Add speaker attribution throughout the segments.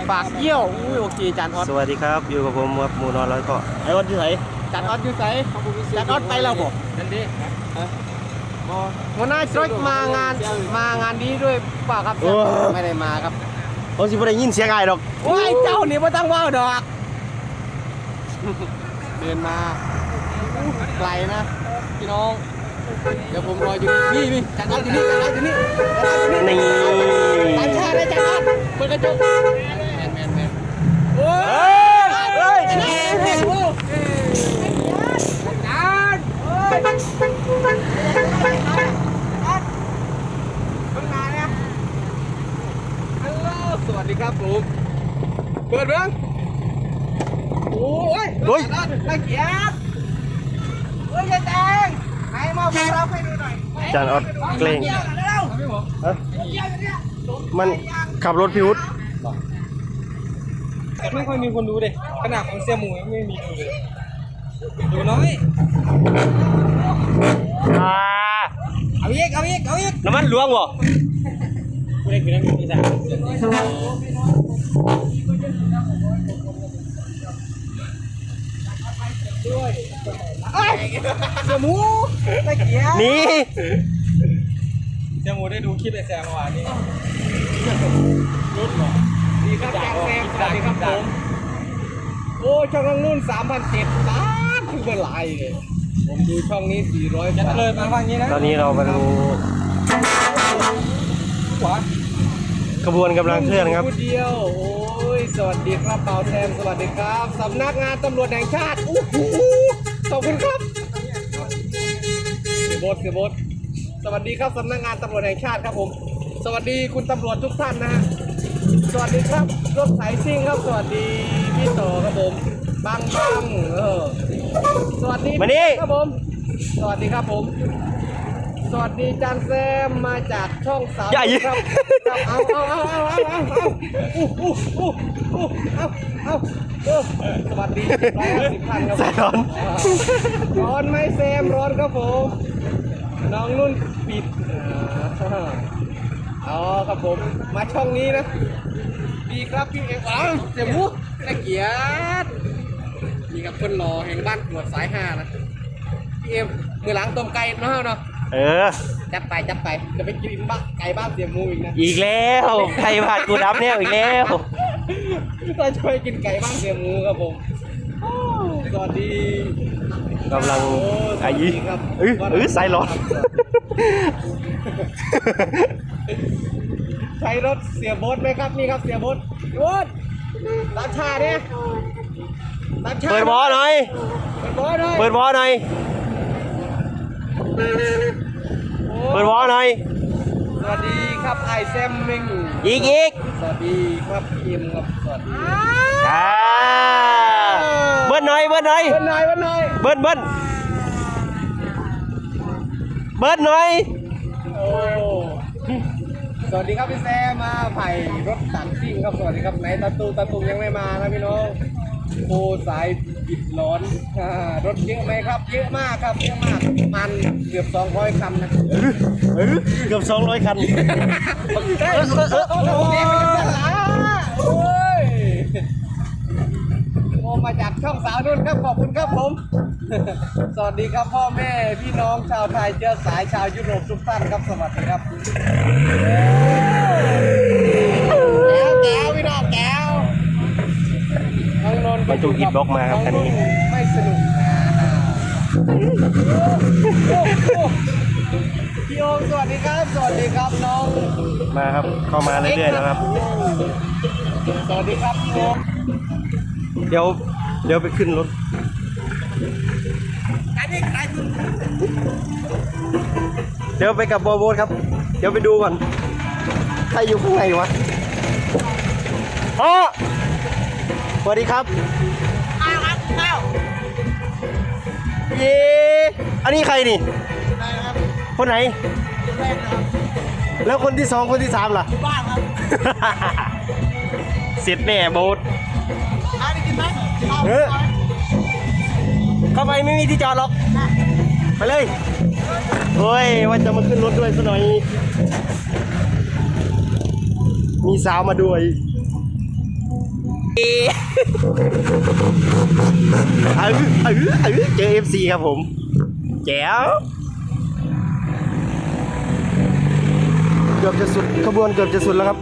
Speaker 1: ฝากเยี่ยวอุ้ยโอเคจานออด
Speaker 2: สวัสดีครับอยู่กับผมครับหมูนอนร้อยเกาะ
Speaker 1: ไอออดอยู่ไหนจานออดอยู่ไหนจานออดไปแล้วบอกนั่นดิหัวหน้าจอยมางานนี้ด้วยเปล่าครับไม่ได้มาครับ
Speaker 2: เขาสิบ่ได้ยินเสียงไอ้ดอก
Speaker 1: โอ้ยเจ้านี่ไม่ต้องว่าวดอกเดินมาไกลนะพี่น้องเดี๋ยวผมรออยู่นี่จานออดอยู่นี่จานออดอยู่นี่จานออดอยู่นี่
Speaker 2: นี่
Speaker 1: ตามชาได้จานออดเปิดกระจกแมนโอ้ย
Speaker 2: เฮ้ย
Speaker 1: จานโอ้ยจานโอ้ยเพิ่งมาเนี่ยฮัลโหลสวัสดีครับผมเปิดเบิ้งโอ้ย
Speaker 2: เฮ้ย
Speaker 1: นักเกียรติเฮ้ยยายแดงไหนมาพวกเราให้ดูหน่อย
Speaker 2: จานออดเกรง
Speaker 1: เร็ว
Speaker 2: ฮะมันขับรถพิวุฒ
Speaker 3: ไม่ค่อยมีคนดูเลยขนาดของเสี่ยหมูยังไม่มีดูเลยดูน้อย เอาอีก
Speaker 2: น้ำมันหลวงบ่
Speaker 3: กูได้กินน้ำมันที่สามเสี่ยหมูตะเกียบ
Speaker 2: นี่
Speaker 3: เสี่ยหมูได้ดูคลิปไอ้แซมเมื่อวานนี้รุ่นหรอ
Speaker 1: ดีครับแจ็คแซมสวัสดีครับผมโอ้ช่องน้องนุ่น3,700ล้านคือเป็นไรเลยผมดูช่องนี้400
Speaker 3: ยัดเลยมาฟังนี้นะ
Speaker 2: ตอนนี้เรามาดู
Speaker 3: ขวา
Speaker 2: ขบวนกำลังเคลื่อนครับ
Speaker 1: ผู้เดียวโอ้ยสวัสดีครับเปาแซมสวัสดีครับสำนักงานตำรวจแห่งชาติอู้หูขอบคุณครับเสียโบทสวัสดีครับสำนักงานตำรวจแห่งชาติครับผมสวัสดีคุณตำรวจทุกท่านนะฮะสวัสดีครับรถสายซิ่งครับสวัสดีพี่ต่อครับผมบังสวัสดี
Speaker 2: มานี่
Speaker 1: ครับผมสวัสดีครับผมสวัสดีจานแซมมาจากช่องสาว
Speaker 2: อย่ายิง
Speaker 1: ครับเอาสวัสดี150ท่านครับ
Speaker 2: สายร้อน
Speaker 1: ร้อนไหมแซมร้อนครับผมน้องนุ่นปิดอ๋อครับผมมาช่องนี้นะดีครับพี่เอกเสียมุกนักเกียรติมีกับคนหล่อแห่งบ้านตรวจสาย5นะพี่เอ็มมือหลังต้มไก่เนาะ
Speaker 2: เออ
Speaker 1: จัดไปจะไปกินไก่บ้านเสียมูอีกนะ
Speaker 2: อีกแล้วใครบาดกูดับเนี่ยอีกแล้ว
Speaker 1: เราจะไปกินไก่บ้านเสียมูครับผมโอ้สวัสดี
Speaker 2: กำลัง
Speaker 1: โอ้ส
Speaker 2: อา
Speaker 1: วัส
Speaker 2: ยุ
Speaker 1: ดีครับ
Speaker 2: สายร้อน
Speaker 1: ใช้รถเสียโบ๊ทไหมครับนี่ครับเสียโบ๊ทโบ๊ทตามชาเนี่ยตามชา
Speaker 2: เปิดบอหน่อย
Speaker 1: เปิดบอหน่อย
Speaker 2: เปิดบอหน่อยเปิดบอหน่อย
Speaker 1: สวัสดีครับไอแซมมิง
Speaker 2: อีก
Speaker 1: สวัสดีครับพี่เอ็มครับสวัสดี
Speaker 2: อ่าเบิ้ลหน่อย
Speaker 1: เบิ้ลหน่อย
Speaker 2: เบิ้ลหน่อย
Speaker 1: โอ้สวัสดีครับพี่แซมมาไผ่รถตัดซิ่งครับสวัสดีครับไหนตาตูยังไม่มานะพี่น้องโอ้สายบิดร้อนรถเยอะไหมครับเยอะมากครับเยอะมากมันเกือบ200คันนะ
Speaker 2: เกือบ200 คัน
Speaker 1: โอ้ยโอ้มาจากช่องสาวนุ่นครับขอบคุณครับผม สวัสดีครับพ่อแม่พี่น้องชาวไทยเชื้อสายชาวยุโรปทุกท่านครับสวัสดีครับแก้วพี่น้องแก้วน้องนนท์
Speaker 2: บรรทุกอิฐบล็อกมาครับคันนี้
Speaker 1: ไม่สนุกพี่โอมสวัสดีครับสวัสดีครับน้อง
Speaker 2: มาครับเข้ามาเรื่อยๆแล้วครับ
Speaker 1: สวัสดีครับพี่โอม
Speaker 2: เดี๋ยวไปขึ้นรถ เดี๋ยวไปกับบอโบสครับ เดี๋ยวไปดูก่อน ใครอยู่ข้างในวะอ๋อสวัสดีครับเย้อันนี้ใครนี่ คนไหน แล้วคนที่2คนที่3ล่ะ
Speaker 1: บ้านครับ
Speaker 2: เสร็จแน่โบส
Speaker 1: ได้กินไหม
Speaker 2: เออเข้าไปไม่มีที่จอดหรอก ไปเลยโอ้ยว่าจะมาขึ้นรถด้วยซะหน่อย มีสาวมาด้วยเจอ FC ครับผมแจ๋วเกือบจะสุดขบวนเกือบจะสุดแล้วครับ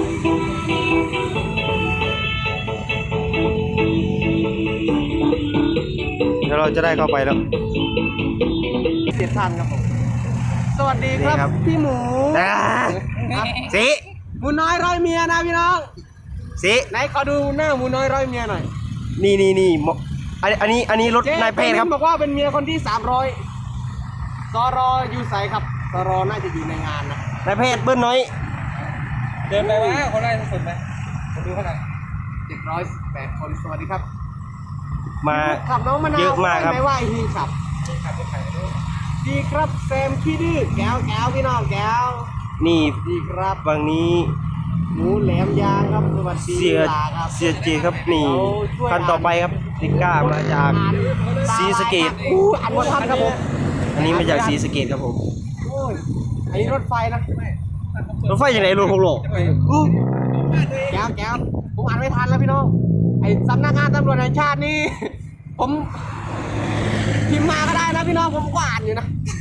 Speaker 2: เดี๋ยวเราจะได้เข้าไปแล้วเสียท่านครับผม
Speaker 1: สวัสดีครับ
Speaker 2: นี่ครับ
Speaker 1: พี่หมู
Speaker 2: สิ
Speaker 1: หมูน้อยร้อยเมียนะพี่น้อง
Speaker 2: สิ
Speaker 1: ไหนขอดูหน้าหมูน้อยร้อยเมียหน่อย
Speaker 2: นี่อันนี้รถนายแพทย์ครับ
Speaker 1: บอกว่าเป็นเมียคนที่300สรอยู่ใสครับสรน่าจะอยู่ในงานนะ
Speaker 2: นายแพทย์เบิ้ลน้อย
Speaker 3: เดินไปว่าเขาได้สุดไหมผมดูเท่าไหร่
Speaker 1: 708 คนสวัสดีครับ
Speaker 2: มา
Speaker 1: ขับน้องมะนาว
Speaker 2: เยอะมากครับ
Speaker 1: ไม่ว่าฮีขับ
Speaker 3: ขับรถไถดู
Speaker 1: ดีครับแซมขี้ดื้อแก้วพี่น้องแก้ว
Speaker 2: นี่
Speaker 1: ดีครับ
Speaker 2: ฝั่งนี้
Speaker 1: หมูแหลมยางครับสวัสดี
Speaker 2: เสีย
Speaker 1: ลาครับ
Speaker 2: เสียเจครับนี่คันต่อไปครับติก้ามาจากศรีสะเกษ
Speaker 1: อันวัทันครับผม
Speaker 2: อันนี้มาจากศรีสะเกษครับผม
Speaker 1: โอ้ยอันนี้รถไฟนะ
Speaker 2: รถไฟยังไงรถหกล้อ
Speaker 1: แก้วผมอ่านไม่ทันแล้วพี่น้องไอ้สำนักงานตำรวจแห่งชาตินี่ ผมพิมพ์มาก็ได้นะพี่น้องผมก็อ่านอยู่นะ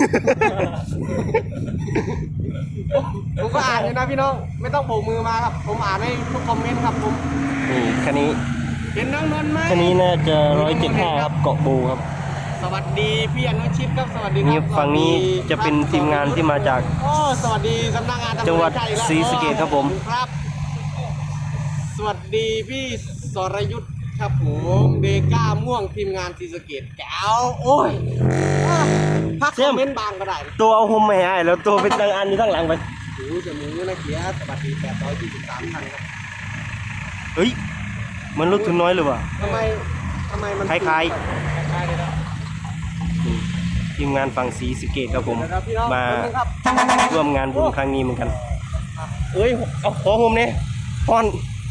Speaker 1: ผมก็อ่านอยู่นะพี่น้องไม่ต้องโบกมือมาครับ ผมอ่านให้ทุกคอมเมนต์ครับผม
Speaker 2: นี่คันนี้
Speaker 1: เห็นน้องนนท์ไหม
Speaker 2: คันนี้น่าจะ175ครับเกาะบูครับ
Speaker 1: สวัสดีพี่อนุชิตครับสวัสดีค
Speaker 2: นี่
Speaker 1: รับ
Speaker 2: ฝั่งนี้จะเป็นทีมงานที่มาจาก
Speaker 1: โอ้สวัสดีสำนักงานตำรวจ
Speaker 2: จังหวัด
Speaker 1: แห่ชาติอีกแล้
Speaker 2: ศรีสะเกษครับผม
Speaker 1: ครับ สวัสดีพี่สรยุทธครับผมเดก้าม่วงทีมงานศรีสะเกษแก้วโอ้ยพักคอมเมนต์บางก็ได้นะ
Speaker 2: ตัวเอาโฮมไม่ให้แล้วตัวเป็นทางอันอยู่ข้างหลังไป
Speaker 1: หูจมูกนะเกียร์สวัสดี823ท่านครับ
Speaker 2: เฮ้ยมันรถทุนน้อยหรือเปล่า
Speaker 1: ทำไมมัน
Speaker 2: คล้าย
Speaker 3: ใช่เลยนะ
Speaker 2: ๆทีมงานฝั่งศรีสะเกษครับผม
Speaker 1: เดี๋ยวนะพี่น้อง
Speaker 2: มา
Speaker 1: แป๊บนึงครับ
Speaker 2: ร่วมงานบุญครั้งนี้เหมือนกันเอ้ยเอาขอโฮมเนี่ยพอน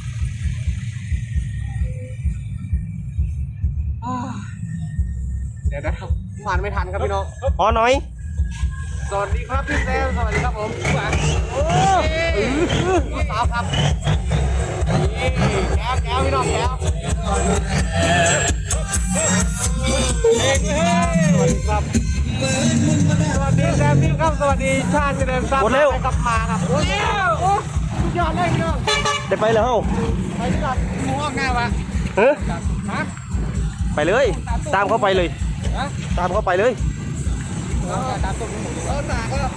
Speaker 1: เดี๋ยวนะครับผ่านไม่ทันครับพี่น้อง
Speaker 2: พอหน่อย
Speaker 1: สวัสดีครับพี่แซมสวัสดีครับผมโอ้พี่สาวครับนี่แก้วพี่น้องแก้วสวัสดีครับสวัสดีแซมพี่ครับสวัสดีชาติเจริญทรัพย์
Speaker 2: หมดเร็ว
Speaker 1: ไปกลับมาครับโอ้ยโอ้สุดยอดเลยพี่น้อง
Speaker 2: ได้ไปแล้ว
Speaker 1: ไปดีกว่า
Speaker 3: หมูออกหน้าวะ
Speaker 2: เฮ้ย
Speaker 3: ฮะ
Speaker 2: ไปเลย ตามเข้าไปเลย
Speaker 3: ฮะ
Speaker 2: ตามเข้าไปเลย
Speaker 3: ตามตัวหมู
Speaker 1: หนาก็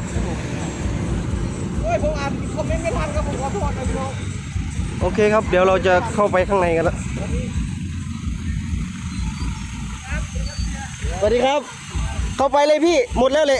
Speaker 1: โอ้ยผมอ่านคอมเมนต์ไม่ทันครับผมขอโทษนะพี่น้อง
Speaker 2: โอเคครับ เดี๋ยวเราจะเข้าไปข้างในกันแล้วสวัสดีครับ เข้าไปเลยพี่หมดแล้วเลย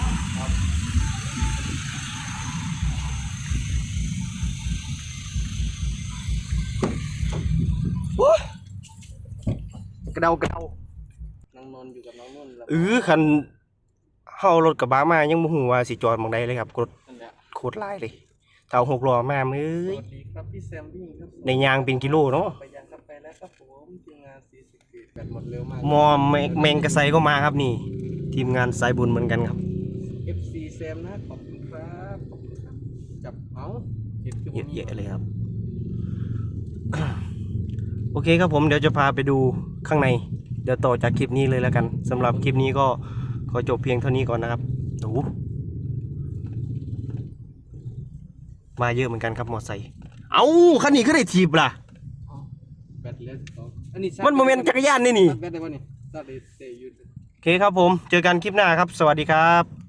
Speaker 2: โอ้ยกระเดากระเดา
Speaker 1: น้องนนท์อยู่กับน้องนุ่นแล้ว
Speaker 2: คันเฮารถกระบะมายังบ่ฮู้ว่าสิจอดหม่องใดเลยครับรถ
Speaker 1: นั่นแหละ
Speaker 2: โคตรหลายเลยเท่า6ล้อมามื้
Speaker 1: ส
Speaker 2: อ
Speaker 1: วัสดีครับพี่แซมบี้ครับ
Speaker 2: ในยางเป็นกิโลเนาะ
Speaker 1: ไปยังครับไปแล้วครับผมทีมงานสีสะเกตแบตหมดเร็วมาก
Speaker 2: มอแมงกระไซก็มาครับนี่ ทีมงานสายบุญเหมือนกันครับ
Speaker 1: FC แซมนะขอบคุณครับขอบคุณครับจับเอาเห็นคือ
Speaker 2: เยอะแยะเลยครับ โอเคครับผมเดี๋ยวจะพาไปดูข้างใน เดี๋ยวต่อจากคลิปนี้เลยแล้วกันสำหรับคลิปนี้ก็ขอจบเพียงเท่านี้ก่อนนะครับโอ้โหมาเยอะเหมือนกันครับมอไซค์เอ้าคันนี้ก็ได้ถีบล่ะ
Speaker 1: แบตเหลืออันนี้
Speaker 2: มันโมเมนต์จักรยานนี่นี่
Speaker 1: แบตได้ป่ะนี่ตัดเตะยืด
Speaker 2: โอเคครับผมเจอกันคลิปหน้าครับ สวัสดีครับ